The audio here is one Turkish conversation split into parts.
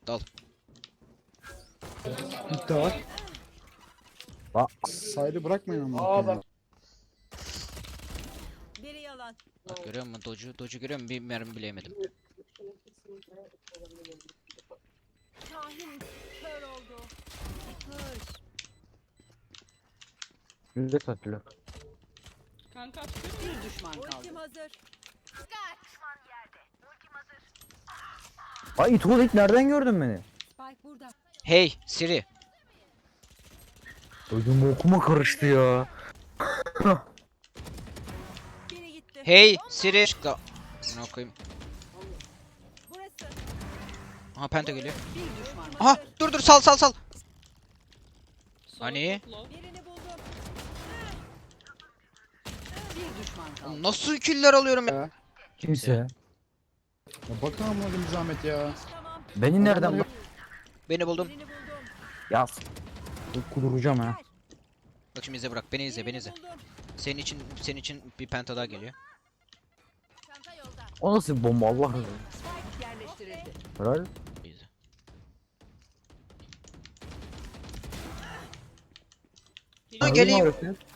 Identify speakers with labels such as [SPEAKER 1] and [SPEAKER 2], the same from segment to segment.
[SPEAKER 1] Dal.
[SPEAKER 2] İlk de var.
[SPEAKER 3] Bak.
[SPEAKER 2] Saydı bırakmayın ama.
[SPEAKER 4] Aa bak.
[SPEAKER 5] Biri yalan.
[SPEAKER 1] Bak görüyor musun? Doge'u görüyor musun? Bir mermi bile yemedim.
[SPEAKER 5] Kahin kör oldu. Kır.
[SPEAKER 3] Yüzde satılıyor.
[SPEAKER 6] Kanka açıyor.
[SPEAKER 7] Bir düşman kaldı.
[SPEAKER 5] Ultim hazır.
[SPEAKER 3] Ay Tuğlik nereden gördün beni?
[SPEAKER 5] Spike burada.
[SPEAKER 1] Hey Siri.
[SPEAKER 3] Ödüm okuma karıştı ya.
[SPEAKER 5] Biri gitti.
[SPEAKER 1] Hey Siri. Çıktı. Ne koyayım?
[SPEAKER 5] Burası.
[SPEAKER 1] Aha penta geliyor.
[SPEAKER 7] Bir düşman kaldı.
[SPEAKER 1] Aha dur sal.
[SPEAKER 6] Sola
[SPEAKER 1] Hani?
[SPEAKER 6] topla.
[SPEAKER 5] Birini buldum.
[SPEAKER 7] Bir düşman kaldı.
[SPEAKER 1] Oğlum nasıl killer alıyorum ya?
[SPEAKER 2] Ya.
[SPEAKER 3] Kimse.
[SPEAKER 2] Ya bakın amına bir zahmet ya.
[SPEAKER 5] Tamam.
[SPEAKER 3] Beni nereden bak?
[SPEAKER 1] Beni buldum.
[SPEAKER 5] Birini buldum.
[SPEAKER 3] Yaz. Kuduracağım ha.
[SPEAKER 1] Bak şimdi izle bırak. Beni izle.
[SPEAKER 5] Birini buldum.
[SPEAKER 1] Senin için bir penta daha geliyor.
[SPEAKER 5] Çanta yolda.
[SPEAKER 3] O nasıl bir bomba Allah razı olsun.
[SPEAKER 7] Spike yerleştirildi.
[SPEAKER 3] Helal.
[SPEAKER 1] İzle. Ha, geleyim.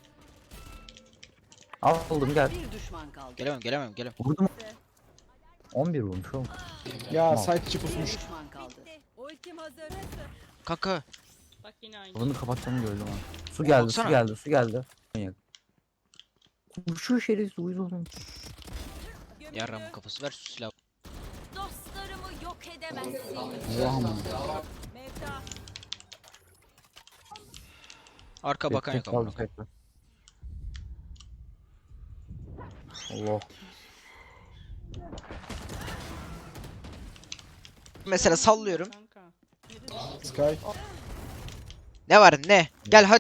[SPEAKER 3] Aldım gel.
[SPEAKER 7] Bir düşman kaldı.
[SPEAKER 1] Gelemem.
[SPEAKER 3] Vurdum. 11 vurmuş oğlum.
[SPEAKER 2] Ya
[SPEAKER 3] Tamam.
[SPEAKER 2] site içi
[SPEAKER 7] Bir
[SPEAKER 2] pusmuş.
[SPEAKER 7] düşman kaldı.
[SPEAKER 5] Bitti. Ultim hazır. Burası.
[SPEAKER 1] Kanka.
[SPEAKER 6] Bak yine aynı.
[SPEAKER 3] Bunu kapattığını gördüm ha. Su geldi,
[SPEAKER 1] Baksana.
[SPEAKER 3] su geldi. Manyak. Şu şerefsiz uyuz oğlum.
[SPEAKER 5] Gömüldü.
[SPEAKER 1] Yarramın kafası ver şu silahı.
[SPEAKER 5] Dostlarımı yok edemezsin.
[SPEAKER 2] Allah'ım.
[SPEAKER 5] Mevta.
[SPEAKER 1] Arka bakan yok amına koyayım.
[SPEAKER 3] Bekle. Allah.
[SPEAKER 1] Mesela sallıyorum.
[SPEAKER 6] Kanka.
[SPEAKER 2] Sky.
[SPEAKER 1] Ne var ne? Gel hadi.